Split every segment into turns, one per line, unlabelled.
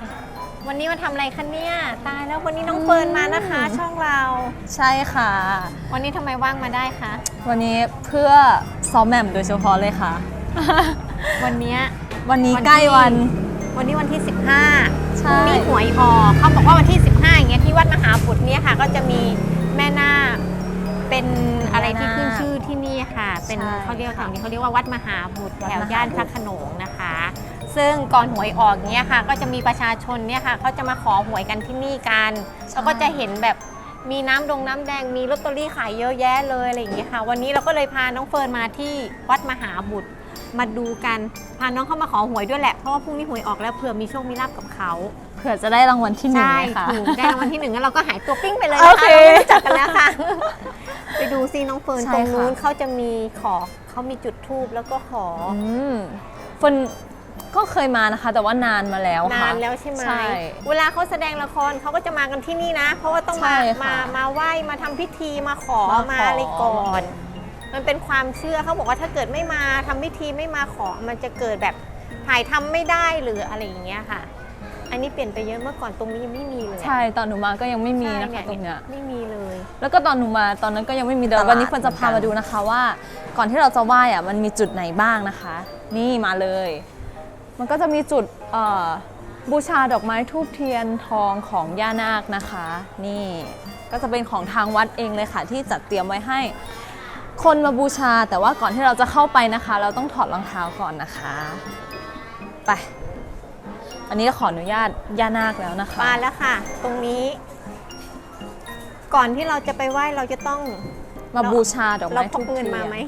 วันนี้มาทำอะไรคะเนี่ยตายแล้ววันนี้น้องเฟิร์นมานะคะ ช่องเรา
ใช่ค่ะ
วันนี้ทำไมว่างมาได้คะ
วันนี้เพื่อซ้อมแหม่มโดยเฉพาะเลยค่ะ
วันนี้
วันนี้ใกล้วัน
วันนี้วันที่ 15
ใช่
พรุ่งนี้หวยออกเขาบอกว่าวันที่ 15อย่างเงี้ยที่วัดมหาบุตรเนี่ยค่ะ ก็จะมีแม่นาคเป็นอะไรที่ขึ้นชื่อที่นี่ค่ะ เป็นเขาเรียกแถวนี้เขาเรียกว่าวัดมหาบุตรแถวย่านพระโขนงนะคะ ซึ่งก่อนหวยออกเนี้ยค่ะ ก็จะมีประชาชนเนี่ยค่ะเขาจะมาขอหวยกันที่นี่กันแล้วก็จะเห็นแบบมีน้ำแดงมีลอตเตอรี่ขายเยอะแยะเลยอะไรอย่างเงี้ยค่ะ วันนี้เราก็เลยพาน้องเฟิร์นมาที่วัดมหาบุตรมาดูกันพาน้องเข้ามาขอหวยด้วยแหละเพราะว่าพรุ่งนี้หวยออกแล้วเผื่อมีโชคมีลาภกับเขา
เผื่อจะได้รางวัลที่หนึ่ง
ใช่
เลยค่ะ
ถูกได้รางวัลที่หนึ่งแล้วเราก็หายตัวปิ้งไปเลย
โอ
นะคะ
เค
เราไม่รู้จักกันแล้วค่ะ ไปดูซิน้องเฟิร์น
ใช่
ตรงนู้น
ค่ะ
เขาจะมีเขามีจุดธูปแล้วก็ขอ
เฟิร์นก็เคยมานะคะ แต่ว่านานมาแล้วค่ะ
นานแล้วใช่ไหม
ใช่
เวลาเขาแสดงละครเขาก็จะมากันที่นี่นะ เพราะว่าต้อง
ใช่
มา
ค่ะ
มาไหว้มาทำพิธีมาขอ
มาขอ
มาอะไรก่อน มันเป็นความเชื่อเขาบอกว่าถ้าเกิดไม่มาทำพิธีไม่มาขอมันจะเกิดแบบถ่ายทำไม่ได้หรืออะไรอย่างเงี้ยค่ะ อันนี้เปลี่ยนไปเยอะเมื่อก่อนตรงนี้ยังไม่มีเลย
ใช่ตอนหนูมาก็ยังไม่มีนะ
ใช่
คะตรงเนี้ย
ไม่มีเลย
แล้วก็ตอนหนูมาตอนนั้นก็ยังไม่มีเดิ
ต
น
ลาด
วันนี้เฟิร์นจะพามาดูนะคะว่า ก่อนที่เราจะไหว้อะมันมีจุดไหนบ้างนะคะ นี่มาเลย มันก็จะมีจุดบูชาดอกไม้ธูปเทียนทองของย่านาคนะคะ นี่ก็จะเป็นของทางวัดเองเลยค่ะ ที่จัดเตรียมไว้ให้คนมาบูชา แต่ว่าก่อนที่เราจะเข้าไปนะคะ เราต้องถอดรองเท้าก่อนนะคะไปอันนี้ขออนุญาตย่านาคแล้วนะคะ
มาแล้วค่ะ ตรงนี้ ก่อนที่เราจะไปไหว้เราจะต้อง
มาบูชาดอก
เรา
ไม้
พ
ธู
ก
ป
เงิน
เทีย
มาน ไหม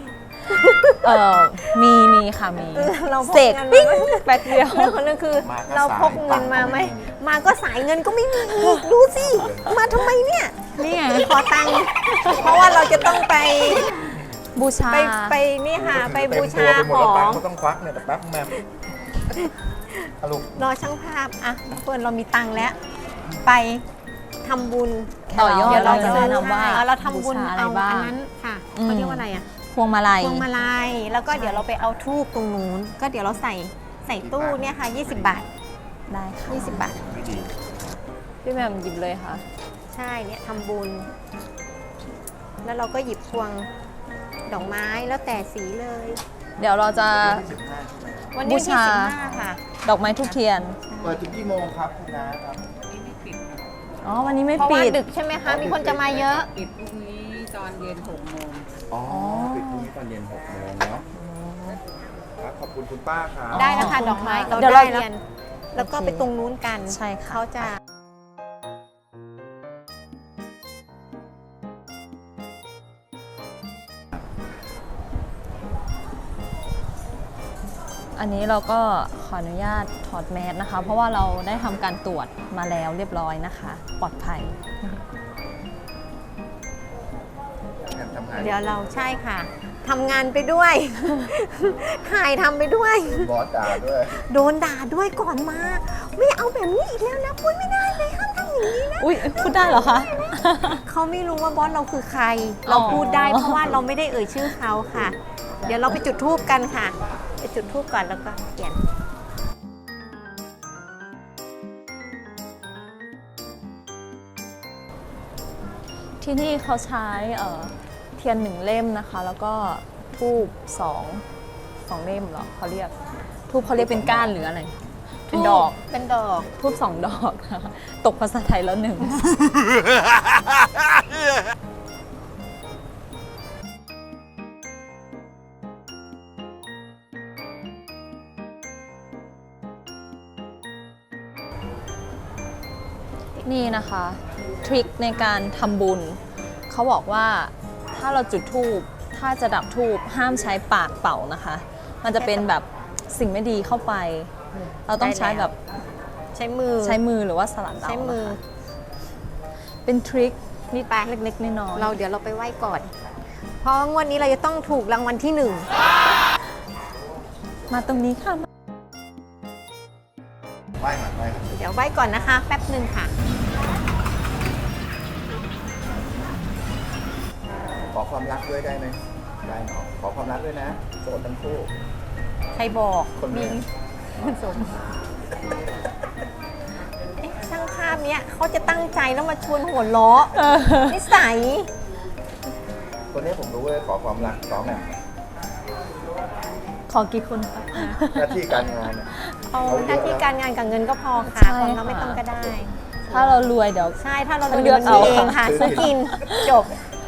มีค่ะมี
เราพก
เสก
เงิน
ปิ้ง
มาไหม
แป๊บเดียว
เรื่องของเรื่องคือ
มาก็
เราพกเงินมาไหมมาก็สายเงินก็ไม่มีอีกดูสิมาทำไมเนี่ย
นี่ไง
ขอตังค์เพราะว่าเราจะต้องไป
บูชา
ไปนี่ค่ะ ไปบูชา
เต็ม
ข
ตัว
อ
ไปหมดแล้วตัง
ง
ค์ก็ต้องควักเนี่ยแต่แป๊บแม่อะลูก
รอช่างภาพอ่ะเฟิร์นเรามีตังค์แล้ว ไปทำบุญ
ต่อยอด
เดี๋ยวเราจะ
แนะนำว่า
เราทำบุญ
บูชาอะไร
เอา
บ้าง
อันนั้นค่ะเขาเรียกว่าอะไรอ่ะ
พวงมาลัย
พวงมาลัยแล้วก็เดี๋ยวเราไปเอาทูบตรงนู้นก็เดี๋ยวเราใส่ตู้เนี่ยค่ะ20 บาท
ได้ค่ะ
20 บาท
ไม่ดี
พี่แหม่มหยิบเลยค่ะ
ใช่เนี่ยทำบุญ แล้วเราก็หยิบพวงดอกไม้แล้วแต่สีเลย
เดี๋ยวเราจะ
15
วันนี้
บู
ที่
ชา
15ค่ะ
ดอกไม้ทุกเทียน
เปิดถึงกี่โมงครับคุณน้าครับ
อ๋อ วันนี้ไม่
เพราะ
ปิ
ว่า
ด
ดึกใช่ไหมคะ มีคนจะมาเยอะ
ปิดพรุ่งนี้ตอนเย็น6 โมง
อ๋อปิดพรุ่งนี้ตอนเย็น6 โมงเนาะครับขอบคุณคุณป้าครับ
ได้นะคะดอกไม้เรา
เดี๋ยว
ได้
เรา
เรียนแล้วก็ไปตรงนู้นกัน
ใช่ค่ะ
เขาจะ
อันนี้เราก็ขออนุญาตถอดแมสนะคะ เพราะว่าเราได้ทำการตรวจมาแล้วเรียบร้อยนะคะ ปลอดภัย
ทำงาน
เดี๋ยวเราใช่ค่ะทำงานไปด้วย ถ่ายทำไปด้วย
บอสด่าด้วย
โดนด่าด้วยก่อนมา ไม่เอาแบบนี้อีกแล้วนะพูดไม่ได้เลยห้ามทำอย่างนี้นะ
อุ้ยพูดได้เหรอคะ
เขาไม่รู้ว่าบอสเราคือใคร เราพูดได้เพราะว่าเราไม่ได้เอ่ยชื่อเขาค่ะ เดี๋ยวเราไปจุดธูปกันค่ะ ไปจุดธูปก่อนแล้วก็เขียน
ที่นี่เขาใช้เทียน1 เล่มนะคะ แล้วก็ทูบสองเล่มเหรอเขาเรียกทูบเขาเรียกเป็นก้านหรืออะไร เป็นดอก
เป็นดอก
ทูบ2 ดอกนะคะตกภาษาไทยแล้วหนึ่ง นี่นะคะทริคในการทำบุญเขาบอกว่าถ้าเราจุดธูปถ้าจะดับธูปห้ามใช้ปากเป่านะคะ มันจะเป็นแบบสิ่งไม่ดีเข้าไป เราต้องใช้แบบ
ใช้มือ
ใช้มือหรือว่าสลัดเอา
ใช้มือ
นะคะเป็นทริค
นี่ไป
เล็กๆน้อยๆ
เดี๋ยวเราไปไหว้ก่อน เพราะงวดนี้เราจะต้องถูกรางวัลที่
มาตรงนี้ค่ะ
ไหว้ก่อนไหว้ก่อน
1 เดี๋ยวไหว้ก่อนนะคะ แป๊บหนึ่งค่ะ
ขอความรักด้วยได้ไหมได้เนาะขอความรักด้วยนะโสดทั้งคู่
ใครบอก
คนเดียว
สมเนี้ยเขาจะตั้งใจแล้วมาชวนหัวเราะนิสัย
ตัวนี้ผมรู้เลยขอความรักซ้อมแหม่ม
ขอกี่คนคะ
หน้าที่การงานเนี่ย
เอาหน้าที่การงานกับเงินก็พอค่ะ
ใช่
ความรัก
ค่ะ
ไม่ต้องก็ได้
ถ้าเรารวยเดี๋ยว
ใช่ถ้าเรา
เลือก
มันมี
เอา
เองค่ะซื้อกินจบ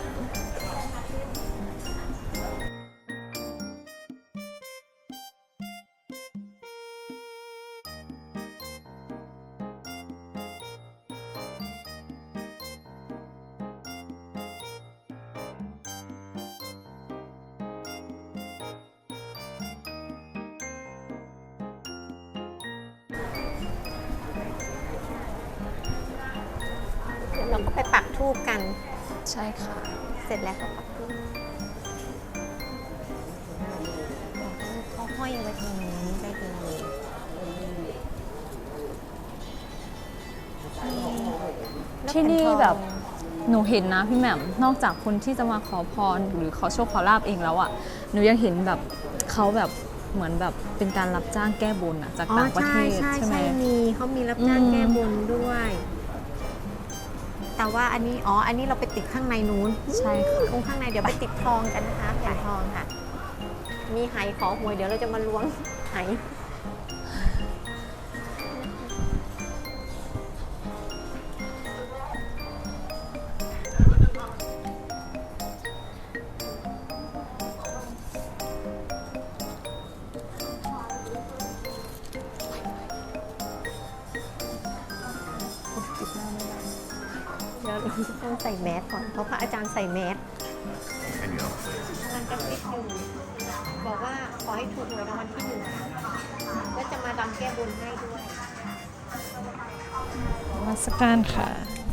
เดี๋ยวเราก็ไปปักธูปกัน
ใช่ค่ะ
เสร็จแล้วก็ปักธูปเขาห้อยไว้ตรงนี้ได้เลย
ที่นี่แบบหนูเห็นนะพี่แหม่มนอกจากคนที่จะมาขอพรหรือขอโชคขอลาบเองแล้วอ่ะหนูยังเห็นแบบเขาแบบเหมือนแบบเป็นการรับจ้างแก้บนอะจากต่างประเทศใช่ไหม
มีเขามีรับจ้าง
อืม
แก้บนด้วย แต่ว่าอันนี้อันนี้เราไปติดข้างในนู้น
ใช่ค่ะ
ตรงข้างในเดี๋ยวไปติดทองกันนะคะแผ่นทองค่ะ มีไหขอหวยเดี๋ยวเราจะมาล้วงไห เดี๋ยวเราจะต้องใส่แมสก่อน เพราะพระอาจารย์ใส่แมสกำลังกระซิบอยู่บอกว่าขอให้ถูกหวยรางวัลที่ 1ก็จะมารำแก้บนให้ด้วย
นมัสการค่ะ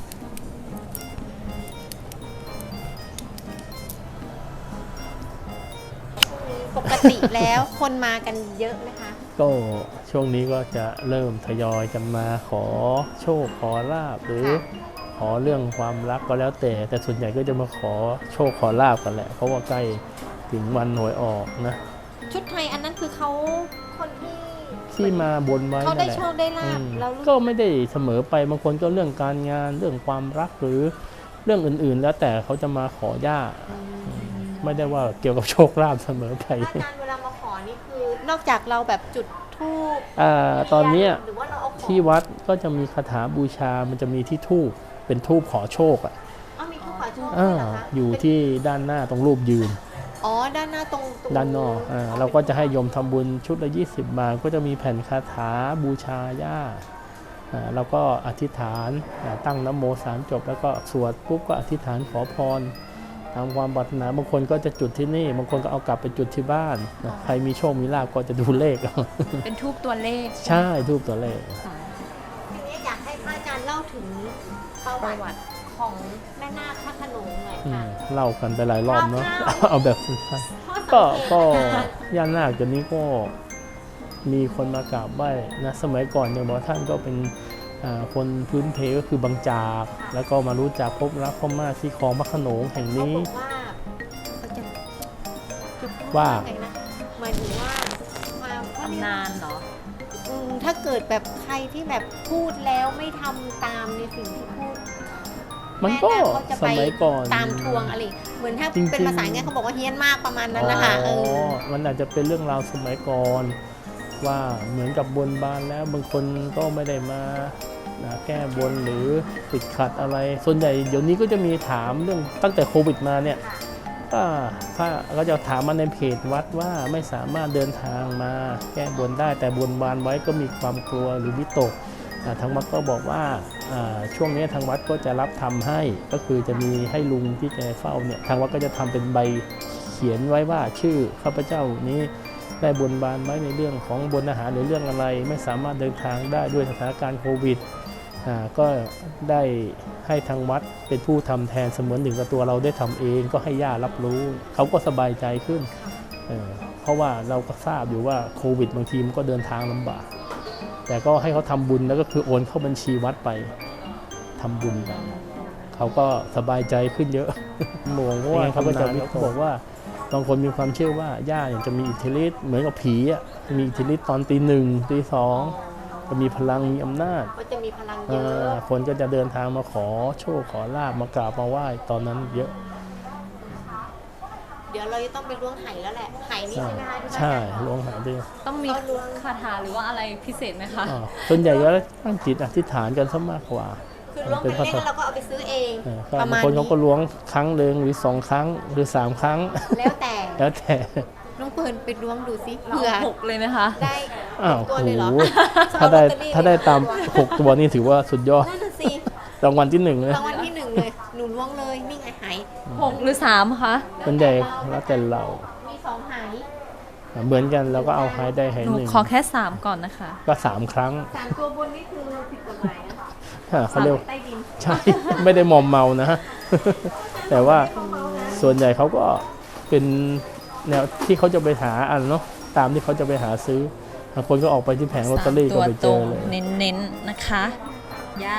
ปกติแล้วคนมากันเยอะไหมคะ
ก็ช่วงนี้ก็จะเริ่มทยอยกันมาขอโชคขอลาบหรือ
ค่ะ
ขอเรื่องความรักก็แล้วแต่ส่วนใหญ่ก็จะมาขอโชคขอลาบกันแหละเพราะว่าใกล้ถึงวันหวยออกนะ
ชุดไทยอันนั้นคือเขาคนที่
ที่มาบนไว้
เขาได้
นั่นแหละ
โชคได้ลาบ
อืม
แล้วรู้
ก็ไม่ได้เสมอไปบางคนก็เรื่องการงานเรื่องความรักหรือเรื่องอื่นๆ แล้วแต่เขาจะมาขอย่าไม่ได้ว่าเกี่ยวกับโชคลาภเสมอไป
อาจารย์เวลามาขอนี่คือนอกจากเราแบบจุดธูป
ตอนเนี้ย
หรือว่าเราเอาของ
ที่วัดก็จะมีคาถาบูชามันจะมีที่ธูปเป็นธูปขอโชคอ่ะ
เอามีธูปขอโชคด้วยเหรอคะ
อยู่ที่ด้านหน้าตรงรูปยืน
อ๋อด้านหน้าตรง
ด้านนอกเราก็จะให้โยมทำบุญชุดละ20 บาทก็จะมีแผ่นคาถาบูชาย่าเราก็อธิษฐานตั้งนะโม3 จบแล้วก็สวดปุ๊บก็อธิษฐานขอพรตามความปรารถนาบางคนก็จะจุดที่นี่บางคนก็เอากลับไปจุดที่บ้านนะใครมีโชคมีลาภก็จะดูเลขเอา
เป็นทูบตัวเลข
ใช่ทูบตัวเลข
ทีนี้อยากให้พระอาจารย์เล่าถึงประวัติของแม่นาคพระโขนงหน่อยค่ะ
เล่ากันไปหลายรอบเนาะ
คร่าวๆ
เอาแบบสั้นๆ
ข้อสัง
ก็
เกต
ก็
นะคะ
ย่านนาคตัวนี้ก็มีคนมากราบไหว้นะสมัยก่อนเนี่ยบอกท่านก็เป็นคนพื้นเพก็คือบางจากแล้วก็มารู้จักพบรักพ่อมาที่คลองพระโขนงแห่ง
เขา
นี้
บอกว่าเขาจะพูด
ว่า
ไงนะหมายถึงว่าความเขาเรียก
นานเหรอ
ถ้าเกิดแบบใครที่แบบพูดแล้วไม่ทำตามในสิ่งที่พูด
มันก็
แนาคจะ
ส
ไป
มัยก่อน
ตามทวงอะไรเหมือนถ้า
จริงๆ
เป็นภาษาไงเขาบอกว่าเฮี้ยนมากประมาณนั้นนะคะ
มันอาจจะเป็นเรื่องราวสมัยก่อนว่าเหมือนกับบนบานแล้วบางคนก็ไม่ได้มาแก้บนหรือติดขัดอะไร ส่วนใหญ่เดี๋ยวนี้ก็จะมีถามเรื่องตั้งแต่โควิดมาเนี่ยก็พระก็จะถามมาในเพจวัดว่าไม่สามารถเดินทางมาแก้บนได้แต่บนบานไว้ก็มีความกลัวหรือวิตกทางวัดก็บอกว่าช่วงนี้ทางวัดก็จะรับทำให้ก็คือจะมีให้ลุงที่แกเฝ้าเนี่ยทางวัดก็จะทำเป็นใบเขียนไว้ว่าชื่อข้าพเจ้านี้ได้บนบานไว้ในเรื่องของบนอาหารหรือเรื่องอะไรไม่สามารถเดินทางได้ด้วยสถานการณ์โควิดก็ได้ให้ทางวัดเป็นผู้ทำแทนเสมือนหนึ่งกับตัวเราได้ทำเองก็ให้ญาติรับรู้เขาก็สบายใจขึ้นเพราะว่าเราก็ทราบอยู่ว่าโควิดบางทีมันก็เดินทางลำบากแต่ก็ให้เขาทำบุญแล้วก็คือโอนเข้าบัญชีวัดไปทำบุญกันเขาก็สบายใจขึ้นเยอะมองว่าเขาก็จะบอกว่าบางคนมีความเชื่อว่าย่าเนี่ยจะมีอิทธิฤทธิ์เหมือนกับผีอ่ะมีอิทธิฤทธิ์ตอนตี 1 ตี 2 ก็มีพลังมีอำนาจ
ก็จะมีพลังเยอะ
คนก็จะเดินทางมาขอโชคขอลาบมากราบมาไหว้ตอนนั้นเยอะ
เดี๋ยวเราจะต้องไปล้วงไหแล้วแหละไหนี่ใช่ไหมคะที่ว่า
ใช่ล้วงหาด้วย
ต้องมีคาถาหรือว่าอะไรพิเศษไหมคะ
ส่วนใหญ่ก็ตั้งจิตอธิษฐานกันซะมากกว่า
คือล้วงเป็นเลขแล้วเราก็เอาไปซื้อเอง
ก็
ประ
บาง
มาณ
คน
นี้
เขาก็ล้วงครั้งหนึ่งหรือ2 ครั้งหรือ 3 ครั้ง
แล้วแต่
แล้วแต่
น้องเปิร์นไปล้วงดูสิ
เรา
เผื่อ
หกเลยไหมคะ
ได้
อ้าว
ตัว
โห
เลยเหรอ
ถ้าได้
เอลอตเตอรี่
ถ้าได้ตาม6 ตัวนี่ถือว่าสุดยอด
นั่นน่ะสิ
รางวัลที่1เลย
รางวัลที่หนึ่งเลยหนูล้วงเลยนี่ไงไห
6 หรือ 3 คะ
ส่วนใหญ่แล้วแต่เรา
มี2ไห
เหมือนกันเราก็เอาไฮได้ไฮ
หนู
หนึ่ง
ขอแค่ 3 ก่อนนะคะ
ก็3 ครั้ง
3 ตัวบนนี่คือผิดกฎหมายนะ
เขาเรียก
ใต้ดิน
ใช่ ไม่ได้มอมเมานะ แต่ว่าส่วนใหญ่เขาก็เป็นแนวที่เขาจะไปหาอันเนาะตามที่เขาจะไปหาซื้อบางคนก็ออกไปที่แผงลอตเตอรี่ก็ไปเจอเลย
เน้นๆนะคะย่า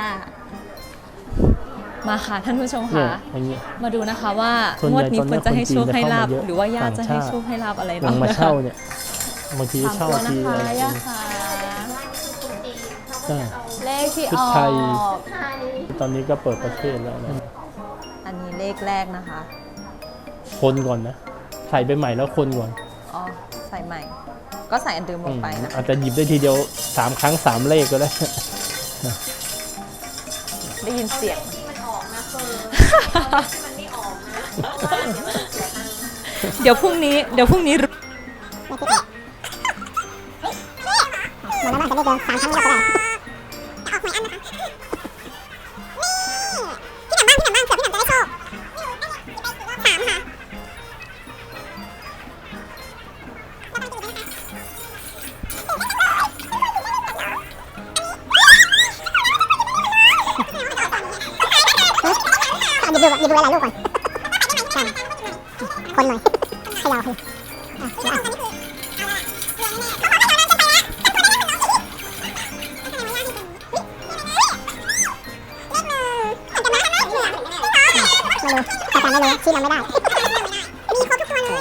มาค่ะท่านผู้ชม
เนี่ย
ค่ะ
อย่างเงี้ย
มาดูนะคะว่า
ส่วน
ง
ให
ว
ญ่
ดนี้
ตอนนี้
ควรจะให้โชคให้ลาบ
คนจีนจะเข้ามาเยอะ
หรือว่าย่าจะให้
ต่างชาติ
โชคให้ลาบอะไร
หลั
บ้าง ง
มา
นะคะ
เช่าเนี่ยบางที
สาม
เช่า
ตัวนะ
ที
คะ
อะไร
ย่าค่ะ
ใช่
เลขที่
ชุ
อ
ด
อ
ไทย
ก
ตอนนี้ก็เปิดประเทศแล้วนะ
อันนี้เลขแรกนะคะ
คนก่อนนะ ใส่ไปใหม่แล้วคนก่อน
อ๋อใส่ใหม่ ก็ใส่อันเดิมลงไปนะคะ
อาจจะหยิบได้ทีเดียว3 ครั้ง 3 เลขก็ได้
ได้ยินเสียง
ที่มันออกนะเฟิร์นที่มันไม่ออกนะ
เดี๋ยวพรุ่งนี้รู้
เหมือนแล้วมันจะได้เดิน3 ครั้งก็ได้ออกหวยอันนะคะนี่พี่หนำบ้างเผื่อพี่หนำจะได้โชค3 ค่ะหยิบดูหลายๆลูกก่อนใช่คนหน่อยเขย่าคือไม่รู้แต่การไม่รู้ชี้นำไม่ได้ มีครบทุกตัวเลย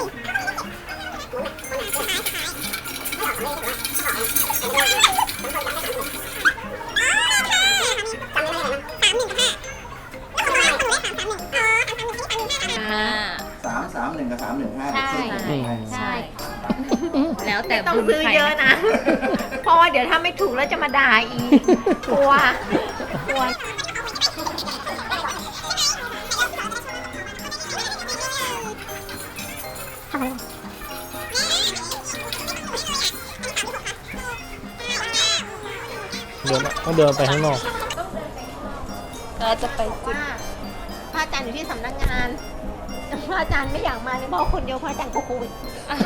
331 กับ 315
ใช่ ใช่
แล้วแต่
ต้อง
บุญ
ซื้อ
ใคร
เยอะนะ เพราะว่าเดี๋ยวถ้าไม่ถูกแล้วจะมาด่าอีก กลัว
ต้องเดินไปข้างนอก
เราจะไปจุด
ว่าพระอาจารย์อยู่ที่สำนักงานแต่พระอาจารย์ไม่อยากมาเลยเพราะคนเดียวพระอาจารย์ก็โควิด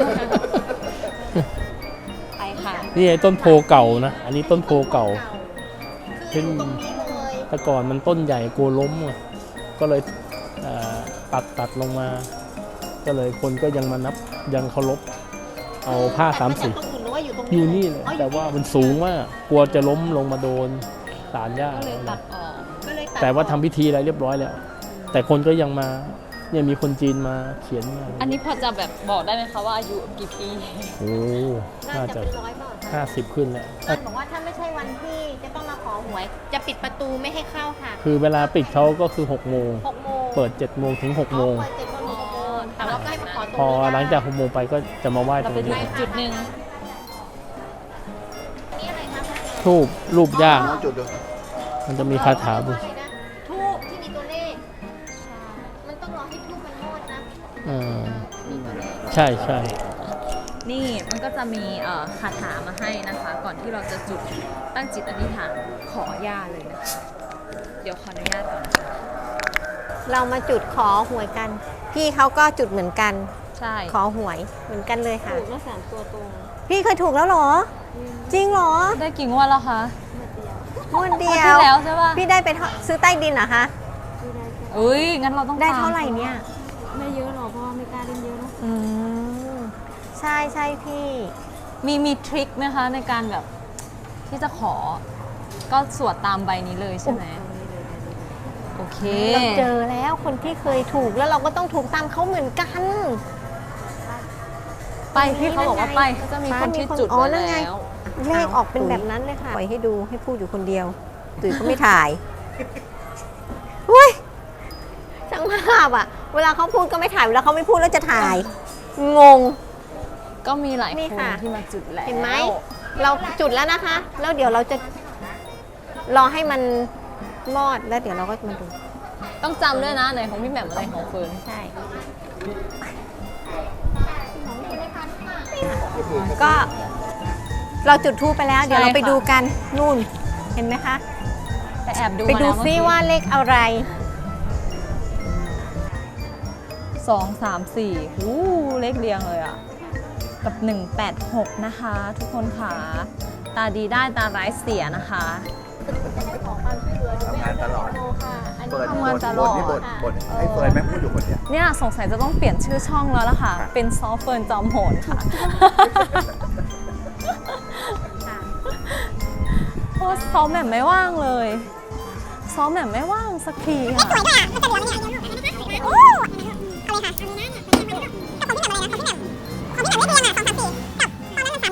ไปค่ะ
นี่ไอ้ต้นโพเก่านะ อันนี้ต้นโพเก่า
คืออยู่ตรงนี้เลย
แต่ก่อนมันต้นใหญ่กลัวล้มไงก็เลยตัดลงมา ก็เลยคนก็ยังมานับยังเคารพเอาผ้าสามสี
ตรงอื่นหรือว่าอยู่ตรง
อยู่นี่เลย
อ๋อ
แต่ว่ามันสูงมากกลัวจะล้มลงมาโดนสารหญ้า
ก็เลยตัดออก
ก็เลยด
แต่ว่าทำพิธีอะไรเรียบร้อยแล้ว แต่คนก็ยังมาเนี่ยมีคนจีนมาเขียนมา
อันนี้พอจะแบบบอกได้ไหมคะว่าอายุกี่ปี
โอ้
น่า
น่า
จะ
จะ
เป็น100 บาท
50 ขึ้นแล้ว
ท่านบอกว่าถ้าไม่ใช่วันที่จะต้องมาขอหวย จะปิดประตูไม่ให้เข้าค่ะ
คือเวลาปิดเขาก็คือ6 โมง
6 โมง
เปิด 7 โมงถึง 6 โมง
เปิด7 โมงถึง6 โมงแต่ว่าก็ให้มาขอตรง
พอ
นี้ได้
หลังจาก 6 โมงไปก็จะมาไหว้ต
เรา
รง
ไปดู
นี้
อีกจุดหนึ่ง
นี่อะไรคะ
ทูบรูปย่า
น้องจุดดู
มันจะมีคาถาบุ
อะไรนะทูบที่มีตัวเลข มันต้องรอให้ทูบมันมอดนะ มีตัวเลข
ใช่ใช่
นี่มันก็จะมีคาถามาให้นะคะ ก่อนที่เราจะจุดตั้งจิตอธิษฐานขอย่าเลยนะคะ เดี๋ยวขออนุญาตก่อนนะคะ
เรามาจุดขอหวยกัน พี่เขาก็จุดเหมือนกัน
ใช่
ขอหวยเหมือนกันเลยค่ะ
ถูกแล้ว3 ตัวตรง
พี่เคยถูกแล้วเหรอ จริงเหรอ
ได้กี่งวดแล้วคะ
งวดเดี
งวด
ย
ที่
ว
แล้วใช่ป่ะ
พี่ได้ไปซื้อใต้ดินเหรอคะ
อุ้ยงั้นเราต้อง
ได้
ตม
เท่าไหร่เนี่ย
ไม่เยอะหรอกเพราะว่าไม่กล้าเล่นเยอะเนอะ
อืมใช่ใช่พี่
มีทริคไหมคะในการแบบที่จะขอ ก็สวดตามใบนี้เลยใช่ไหมโอเค
เราเจอแล้วคนที่เคยถูกแล้วเราก็ต้องถูกตามเขาเหมือนกัน
ไปพี่เขาบอกว่าไปก็จะมีคนที่จุด
อ๋อ
ไว้
นั่นไง
แล้ว
พเลขออกเป็นแบบนั้นเลยค่ะปล่อยให้ดูให้พูดอยู่คนเดียวตุ๋ยก็ไม่ถ่ายเฮ้ยช่างภาพอะเวลาเขาพูดก็ไม่ถ่ายเวลาเขาไม่พูดแล้วจะถ่าย งง
ก็มีหลาย
นี่
คน
ค่ะ
ที่มาจุดแล้ว
เห็นไหมเราจุดแล้วนะคะ แล้วเดี๋ยวเราจะรอให้มันมอดแล้วเดี๋ยวเราก็มาดู
ต้องจำด้วยนะไหนของพี่แหม่มอะไรของเฟิร์น
ใช่ ก็เราจุดทูปไปแล้ว เดี๋ยวเราไปดูกันนู่น เห็นไหมคะ
แต่แอบดู
ไปดู
มาแล้ว
ซิ
เมื่อกี้
ว่าเลขอะไร
2 3 4หูเลขเรียงเลยอ่ะ กับ 186 นะคะ ทุกคนค่ะ ตาดีได้ตาร้ายเสียนะคะ
ทำงานตลอดเปิด
ทำงานตลอด
นี่บทให้เฟิร์นแม่งพูดอยู่คนเดียว
เนี่ยสงสัยจะต้องเปลี่ยนชื่อช่องแล้วล่ะค่ะ เป็นซอฟเฟิร์นจอมโหนค่ะ เพราะซ้อมแบบไม่ว่างเลย ซ้อมแบบไม่ว่างสักทีค่ะ
สวยด้วยอ่ะมันจะเหลืองเนี่ยโอ้เอาเลยค่ะเอาเลยนะกับของพี่แหม่มอะไรนะของพี่แหม่มเลขเรียงอ่ะ2 3 4กับตอนนั้นมัน3 1 5 2 3 4 3 4ไม่มี2 6มี4มี3 6มี2 4มี3 6มี2 4มี3 6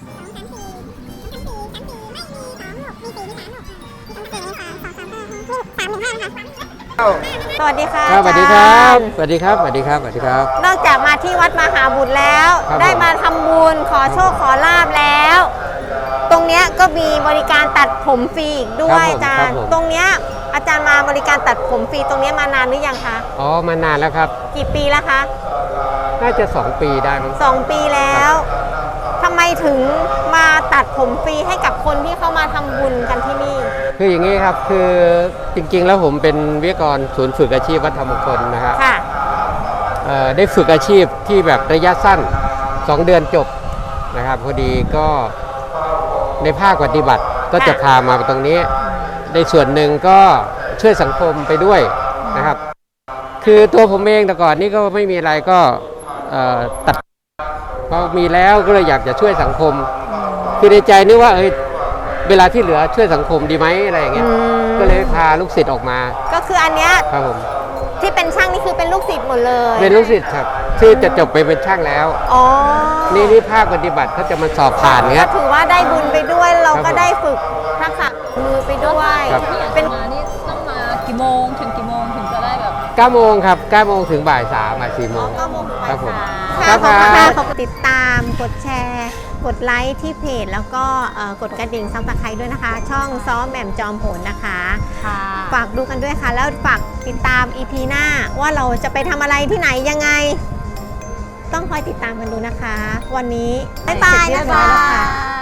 มี3 1 5นะคะ
สวัสดีค่ะ
ครับสวัสดีครับ
อาจาย์
สวัสดีครับ สวัสดีครับ สวัสดีครับ
นอกจากมาที่วัดมหาบุตรแล้ว
ครับ
ได้มาทำบุญขอโชคขอลาบแล้ว ตรงเนี้ยก็มีบริการตัดผมฟรีอีกด้วยอาจารย์ ตรงเนี้ยอาจารย์มาบริการตัดผมฟรีตรงเนี้ยมานานหรือยังคะ
อ๋อ มานานแล้วครับ
กี่ปีแล้วคะ
น่าจะ 2 ปีได้มั้ง
2 ปีแล้วทำไมถึงมาตัดผมฟรีให้กับคนที่เข้ามาทำบุญกันที่นี่
คืออย่างนี้ครับ คือจริงๆ แล้วผมเป็นวิทยากรศูนย์ฝึกอาชีพวัดธรรมมงคลนะฮะ
ค่ะ
ได้ฝึกอาชีพที่แบบระยะสั้น 2 เดือนจบนะครับ พอดีก็ในภาคปฏิบัติก็จะพามาตรงนี้ ในส่วนหนึ่งก็ช่วยสังคมไปด้วยนะครับ คือตัวผมเองแต่ก่อนนี่ก็ไม่มีอะไรก็ตัดพอมีแล้วก็เลยอยากจะช่วยสังคม คือในใจนึกว่าเวลาที่เหลือช่วยสังคมดีไหมอะไรอย่างเงี้ย ก็เลยพาลูกศิษย์ออกมา
ก็คืออันเนี้ย
ครับผม
ที่เป็นช่างนี่คือเป็นลูกศิษย์หมดเลย
เป็นลูกศิษย์ครับที่จะจบไปเป็นช่างแล้ว
อ๋อ
นี่ภาคปฏิบัติเขาจะมาสอบผ่านเงี้
ก็
ย
ถือว่าได้บุญไปด้วยเรา
ครับ
ก็
ผม
ได้ฝึกทักษะมือไปด้วย
ครับ
เป็น
มานี่ต้องมากี่โมงถึงกี่โมงถึงจะได้แบบ
9 โมงครับ 9 โมงถึงบ่าย 3 บ่าย 4 โมง
9 โมงถึงบ่าย
ครับผม
สาม
ครั
ค่ะ
บ
ขอบคุณติดตามกดแชร์ กดไลค์ที่เพจแล้วก็กดกระดิ่งซับสไครต์ด้วยนะคะ ช่องซ้อมแหม่มจอมโหนนะคะ
ค่ะ
ฝากดูกันด้วยค่ะ แล้วฝากติดตาม EP หน้าว่าเราจะไปทำอะไรที่ไหนยังไง ต้องคอยติดตามกันดูนะคะ วันนี้บ๊ายบายนะคะ